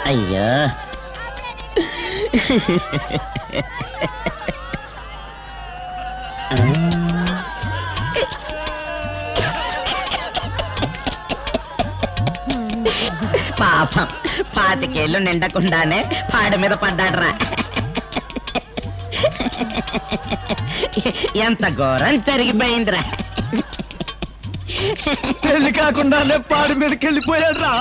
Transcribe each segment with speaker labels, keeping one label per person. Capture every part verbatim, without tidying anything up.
Speaker 1: అయ్యో పాపం పాతికేళ్ళు నిండకుండానే పాడి మీద పడ్డాడ్రా. ఎంత ఘోరం జరిగిపోయిందిరా.
Speaker 2: పెళ్లి కాకుండానే పాడి మీదకి వెళ్ళిపోయాడు రా.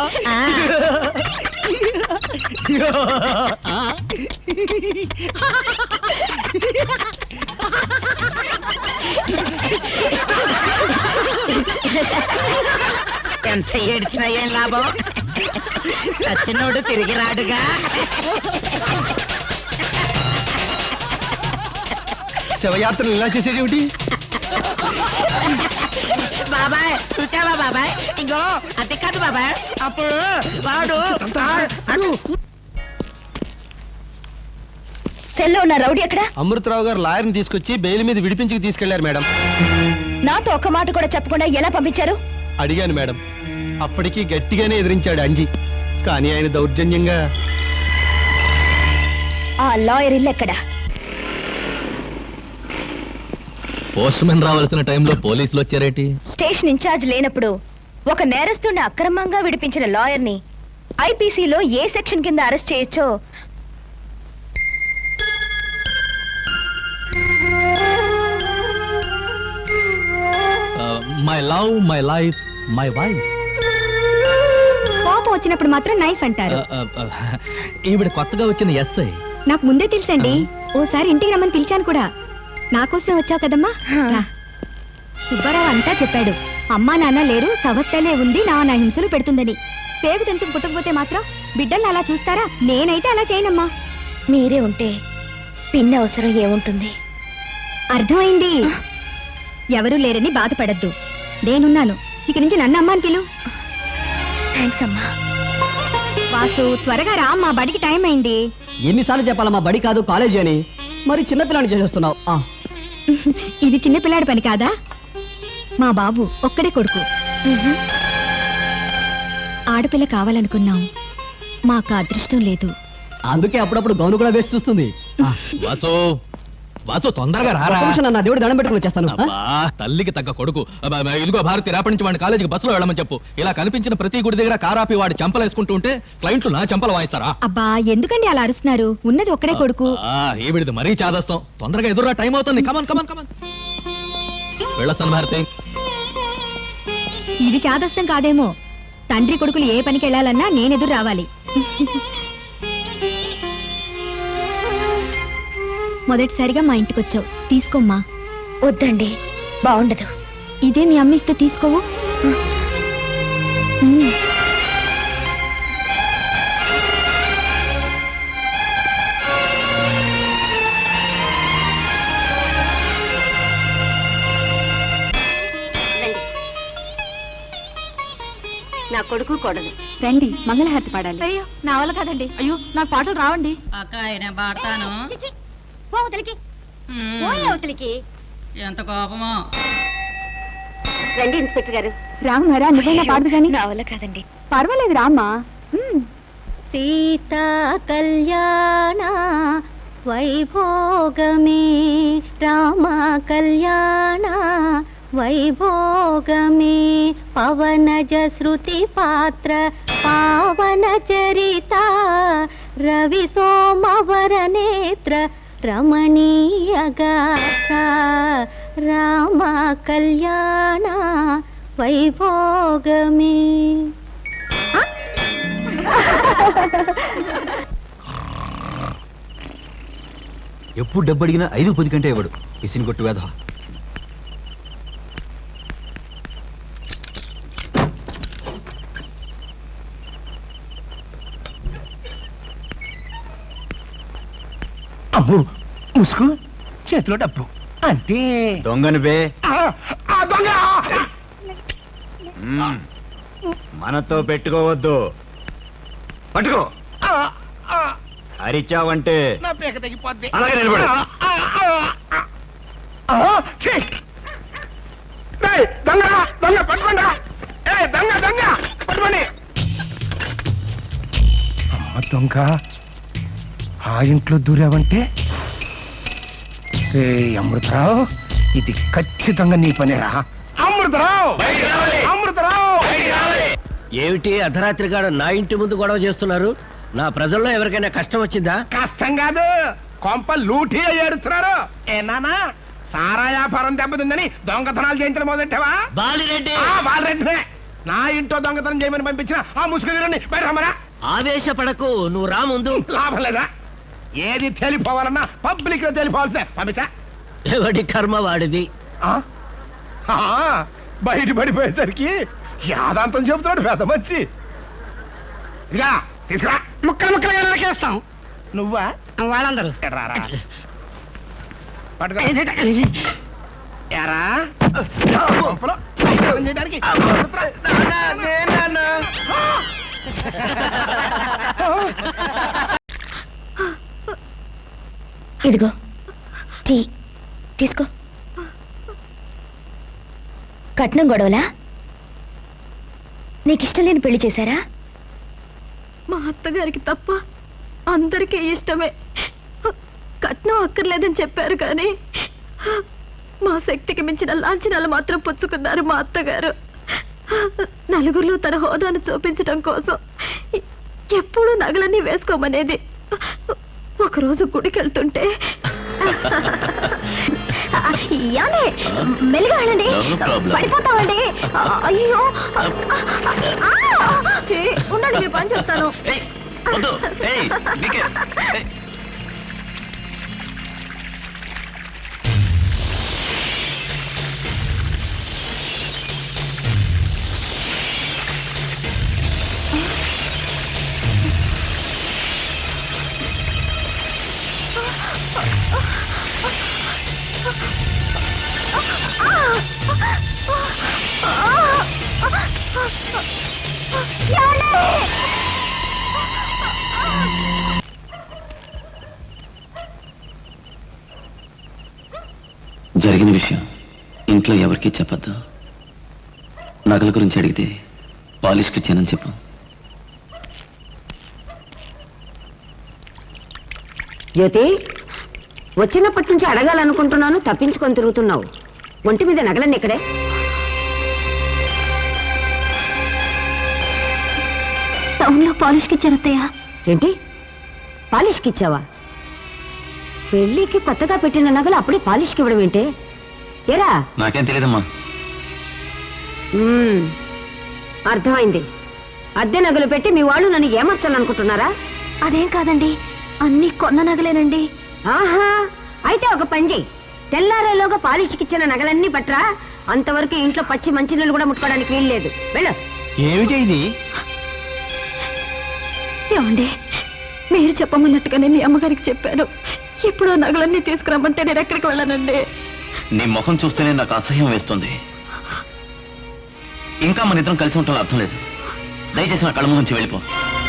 Speaker 1: ఎంత ఏడ్చినా ఏం లాభం, సచ్చినోడు తిరిగి రాడుగా.
Speaker 2: శవయాత్రలు ఇలా చేసేదేమిటి?
Speaker 1: బాబాయ్ చూసావా బాబాయ్, ఇంకో అది కాదు బాబాయ్, అప్పుడు వాడు
Speaker 3: సెల్లో ఉన్న రౌడీ ఎక్కడ?
Speaker 2: అమృతరావు గారు లాయర్ని తీసుకొచ్చి బెయిల్ మీద విడిపించి తీసుకెళ్లారు మేడం.
Speaker 3: నాతో ఒక్క మాట కూడా చెప్పకుండా ఎలా పంపించారు?
Speaker 2: అడిగాను మేడం, అప్పటికి గట్టిగానే ఎదిరించాడు అంజి. కానీ ఆయన దౌర్జన్యంగా.
Speaker 3: ఆ లాయర్ ఇల్లు ఎక్కడ?
Speaker 4: పోస్ట్ మెన్ రావాల్సిన టైంలో పోలీసులు వచ్చారేటి?
Speaker 3: స్టేషన్ ఇన్ఛార్జ్ లేనప్పుడు ఒక నేరస్తుడిని అక్రమంగా విడిపించిన లాయర్ని ఐపీసీలో ఏ సెక్షన్ కింద అరెస్ట్ చేయొచ్చో
Speaker 4: my love my life my wife.
Speaker 3: కోపం వచ్చినప్పుడు మాత్రం నైఫ్ అంటారు.
Speaker 4: ఈవిడ కొత్తగా వచ్చిన ఎస్ఐ.
Speaker 3: నాకు ముందే తెలుసండి, ఓసారి ఇంటికి రమ్మని పిలిచాను కూడా. నాకోసమే వచ్చావు కదమ్మా. సుబ్బారావు అంతా చెప్పాడు, అమ్మా నాన్న లేరు, సవత్తలే ఉంది, నా నా హింసలు పెడుతుందని. పేగు తెంచుకు పుట్టకపోతే మాత్రం బిడ్డల్ని అలా చూస్తారా? నేనైతే అలా చేయనమ్మా. మీరే ఉంటే పిన్న అవసరం ఏముంటుంది? అర్థమైంది. ఎవరూ లేరని బాధపడద్దు, నేనున్నాను. ఇక నుంచి నన్ను అమ్మా అని పిలు. థ్యాంక్స్ అమ్మా. వాసు త్వరగా రా, మా బడికి టైం అయింది.
Speaker 5: ఎన్నిసార్లు చెప్పాలా మా బడి కాదు కాలేజీ అని? మరి చిన్నపిల్లాన్ని చేసేస్తున్నావు.
Speaker 3: ఇది చిన్నపిల్లాడి పని కాదా? మా బాబు ఒక్కడే కొడుకు. ఆడపిల్ల కావాలనుకున్నాం, మాకు అదృష్టం లేదు.
Speaker 5: అందుకే అప్పుడప్పుడు గౌను కూడా వేసి చూస్తుంది.
Speaker 4: వాసు వాసు తొందరగా రారా.
Speaker 5: నా దేవుడు దండం పెట్టుకుని వచ్చేస్తాను.
Speaker 4: తల్లికి తగ్గ కొడుకు. ఇదిగో భారతి, రేపటి నుంచి వాడిని కాలేజీకి బస్సులో వెళ్ళమని చెప్పు. ఇలా కనిపించిన ప్రతి గుడి దగ్గర కారాపి వాడి చెంపలు వేసుకుంటూ ఉంటే క్లయింట్లు నా చెంపలు వాయిస్తారా?
Speaker 3: అబ్బా ఎందుకండి అలా అరుస్తున్నారు? ఉన్నది ఒక్కడే కొడుకు.
Speaker 4: ఏవిడిది మరీ చాదస్తాం. తొందరగా ఎదురురా, టైం అవుతుంది. కమన్ కమన్ కమన్ వెళ్ళొస్తాను భారతి.
Speaker 3: ఇది చాదస్తం కాదేమో. తండ్రి కొడుకులు ఏ పనికి వెళ్ళాలన్నా నేనెదురు రావాలి. మొదటిసారిగా మా ఇంటికి వచ్చావు, తీసుకోమ్మా. వద్దండి, బాగుండదు. ఇదే మీ అమ్మ ఇస్తే తీసుకోవు. నా కొడుకు కొడదు. రండి, మంగళహారతి పాడాలి. అయ్యో నా వల్ల కాదండి. అయ్యో నాకు పాటలు రావండి.
Speaker 6: అక్క ఆయన పాడతాను. ఎంత కోపమో.
Speaker 3: రండి ఇన్స్పెక్టర్ గారు. రామరా, నువ్వైనా పాడదు కానీ. నా వల్ల కాదండి. పర్వాలేదు రామ్మా. సీతా కళ్యాణ వైభోగమే, రామ కళ్యాణ వైభోగమే, పవనజ శృతి పాత్ర పావన చరిత, రవి సోమవర నేత్ర రమణీయగాథ, రామ కళ్యాణ వైభోగమే.
Speaker 2: ఎప్పుడు డబ్బు అడిగినా ఐదు పది కంటే ఇవ్వడు. ఇసిని కొట్టు వేధ.
Speaker 7: అబ్బు ముసుగు, చేతిలో డబ్బు అంతే.
Speaker 2: దొంగను బే.
Speaker 7: దొంగ
Speaker 2: మనతో పెట్టుకోవద్దు. పట్టుకో. అరిచావంటే
Speaker 7: నా పేక తగ్గిపోద్ది.
Speaker 2: అలాగే నిలబడు.
Speaker 7: దొంగ దొంగ పట్టుకోండి. ఏ దొంగ దొంగ పట్టుకోండి. దొంగ ఆ ఇంట్లో దూరావంటే రే అమృతరావు, ఇది ఖచ్చితంగా నీ పనేరా. అమృతరావు, అమృతరావు!
Speaker 8: ఏమిటి అర్ధరాత్రి గాడు నా ఇంటి ముందు గొడవ చేస్తున్నారు? నా ప్రజల్లో ఎవరికైనా కష్టం వచ్చిందా?
Speaker 7: కష్టం కాదు, కొంప లూటీ ఏడుస్తున్నారు. ఏ నానా, సారా వ్యాపారం దెబ్బతిందని దొంగతనాలు చేయించడం మొదలెట్టావా?
Speaker 8: బాలిరెడ్డి,
Speaker 7: ఆ, బాలరెడ్డినే. నా ఇంట్లో దొంగతనం చేయమని పంపించిన ఆ ముసుగుని బయట రమ్మరా.
Speaker 8: ఆవేశపడకు, నువ్వు రా ముందు.
Speaker 7: లాభం లేదా? ఏది తేలిపోవాలన్నా పబ్లిక్ లో తేలిపోవాల్సిందే. పంపించా.
Speaker 8: ఎవడి కర్మ వాడిది.
Speaker 7: ఆ? ఆ, బయట పడిపోయేసరికి యాదాంతం చెబుతున్నాడు పెద్ద మంచి. ఇక తీసుకురా, ముక్కలు ముక్కలుగా నరికేస్తాం. నువ్వా?
Speaker 1: వాళ్ళందరూ
Speaker 7: రారా పట్టుకో. ఎరా కొంపలో పరిశోధన చేయడానికి
Speaker 3: ఇదిగో టీ తీసుకో. కట్నం గొడవలా? నీకిష్టం లేని పెళ్లి చేశారా?
Speaker 9: మా అత్తగారికి తప్ప అందరికీ ఇష్టమే. కట్నం అక్కర్లేదని చెప్పారు కానీ మా శక్తికి మించిన లాంఛనాలు మాత్రం పుచ్చుకున్నారు మా అత్తగారు. నలుగురిలో తన హోదాను చూపించడం కోసం ఎప్పుడూ నగలన్నీ వేసుకోమనేది. ఒకరోజు గుడికి వెళ్తుంటే
Speaker 3: మెల్లిగా వెళ్ళండి, పడిపోతామండి. అయ్యో
Speaker 9: ఉండండి, మీ పని చెప్తాను.
Speaker 10: జరిగిన విషయం ఇంట్లో ఎవరికీ చెప్పద్దు. నగల గురించి అడిగితే పాలిష్కి ఇచ్చానని చెప్పు.
Speaker 11: జ్యోతి, వచ్చినప్పటి నుంచి అడగాలనుకుంటున్నాను, తప్పించుకొని తిరుగుతున్నావు. ఒంటి మీద నగలన్నీ ఇక్కడే.
Speaker 3: టౌన్లో పాలిష్కి ఇచ్చాను అత్తయ్య.
Speaker 11: ఏంటి, పాలిష్కి ఇచ్చావా? పెళ్లికి కొత్తగా పెట్టిన నగలు అప్పుడే పాలిష్కి ఇవ్వడం ఏంటి? ఏరా?
Speaker 10: నాకేం తెలియదమ్మా.
Speaker 11: మ్మ్, అర్థమైంది. అద్దె నగలు పెట్టి మీ వాళ్ళు నన్ను ఏమర్చాలనుకుంటున్నారా?
Speaker 3: అదేం కాదండి, అన్ని కొన్న నగలేనండి.
Speaker 11: ఆహా, అయితే ఒక పని చెయ్యి, తెల్లారేలోగా పాలిష్కి ఇచ్చిన నగలన్నీ పట్రా. అంతవరకు ఇంట్లో పచ్చి మంచినీళ్ళు కూడా ముట్టుకోవడానికి వీల్లేదు. వెళ్ళు.
Speaker 2: ఏమిటి ఇది?
Speaker 9: ఏమండి, మీరు చెప్పమన్నట్టుగానే మీ అమ్మగారికి చెప్పాను. ఇప్పుడు నగలన్నీ తీసుకురమ్మంటే నేను ఎక్కడికి వెళ్ళానండి?
Speaker 10: నీ ముఖం చూస్తేనే నాకు అసహ్యం వేస్తుంది. ఇంకా మన ఇద్దరం కలిసి ఉంటాం అర్థం లేదు. దయచేసి నా కళ్ళ ముందు నుంచి వెళ్ళిపో.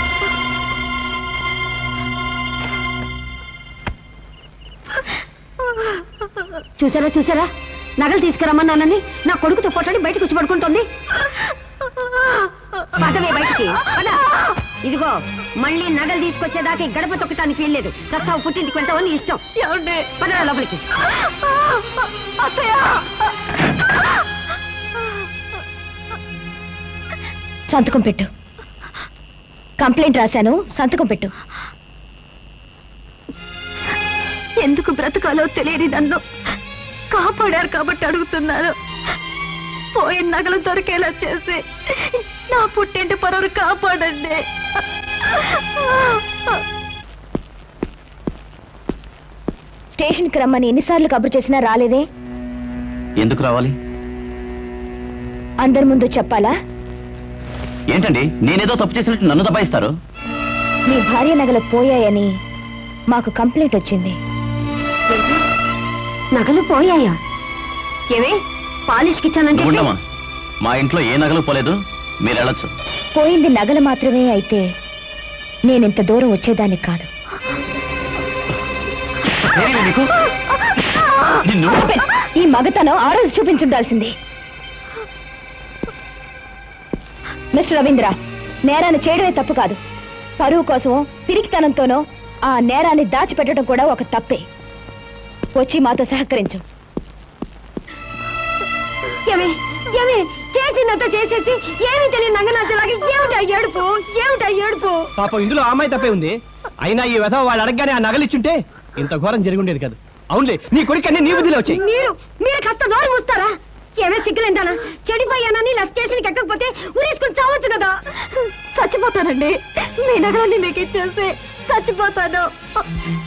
Speaker 11: చూసారా చూసారా, నగలు తీసుకురమ్మన్నానని నా కొడుకుతో పోటాడి బయటకు వచ్చి పడుకుంటోంది. పదవే బయటికి పద. ఇదిగో, మళ్ళీ నగలు తీసుకొచ్చేదాకా ఈ గడప తొక్కటానికి వీల్లేదు. చస్తావు, పుట్టింటికి వెళ్తావని ఇష్టం. పదరా లోపలికి.
Speaker 3: సంతకం పెట్టు. కంప్లైంట్ రాశాను, సంతకం పెట్టు.
Speaker 9: ఎందుకు బ్రతకాలో తెలియని నన్ను కాపాడారు కాబట్టి అడుగుతున్నాను. పోయిన నగలు దొరికేలా చేసి నా పుట్టింటి పరువును కాపాడండి.
Speaker 3: స్టేషన్కి రమ్మని ఎన్నిసార్లు కబురు చేసినా రాలేదే?
Speaker 10: ఎందుకు రావాలి?
Speaker 3: అందరి ముందు చెప్పాలా?
Speaker 10: ఏంటండి, నేనేదో తప్పు చేసినట్టు నన్ను దబాయిస్తారు?
Speaker 3: మీ భార్య నగలు పోయాయని మాకు కంప్లైంట్ వచ్చింది.
Speaker 11: నగలు పోయాయా? ఏమే, పాలిష్కి ఇచ్చానని చెప్పి
Speaker 10: ఉండమా, మా ఇంట్లో ఏ నగలు పోలేదు, మీరు వెళ్ళొచ్చు.
Speaker 3: పోయింది నగలు మాత్రమే అయితే నేనింత దూరం వచ్చేదాన్ని కాదు.
Speaker 10: నిన్ను
Speaker 3: ఈ మగతనం ఆ రోజు చూపించుండాల్సింది. మిస్టర్ రవీంద్ర, నేరాన్ని చేయడమే తప్పు కాదు, పరువు కోసమో పిరికితనంతోనో ఆ నేరాన్ని దాచిపెట్టడం కూడా ఒక తప్పే. వచ్చి మాతో సహకరించు.
Speaker 11: ఏమే ఏమే చేసిందంతా చేసేసి ఏమీ తెలియని నంగనాథలాగా ఏమిటా ఏడుపు ఏమిటా ఏడుపు
Speaker 2: పాపం ఇందులో ఆ అమ్మాయి తప్పే ఉంది. అయినా ఈ విధవ వాళ్ళు అడగగానే ఆ నగలిచ్చుంటే ఇంత ఘోరం జరిగి ఉండేది కాదు. అవునులే, నీ కొడుకు అన్ని నీ బుద్ధిలో వచ్చాయి.
Speaker 11: మీరు మీరు కాస్త నోరు మూస్తారా? ఏమే సిగ్గులేందానా? చెడిపోయానని ఇలా స్టేషన్కి ఎక్కకపోతే ఉరేసుకుని చావచ్చు కదా.
Speaker 9: చచ్చిపోతానండి. మీ నగరాన్ని మీకు ఇచ్చేస్తే చచ్చిపోతాను.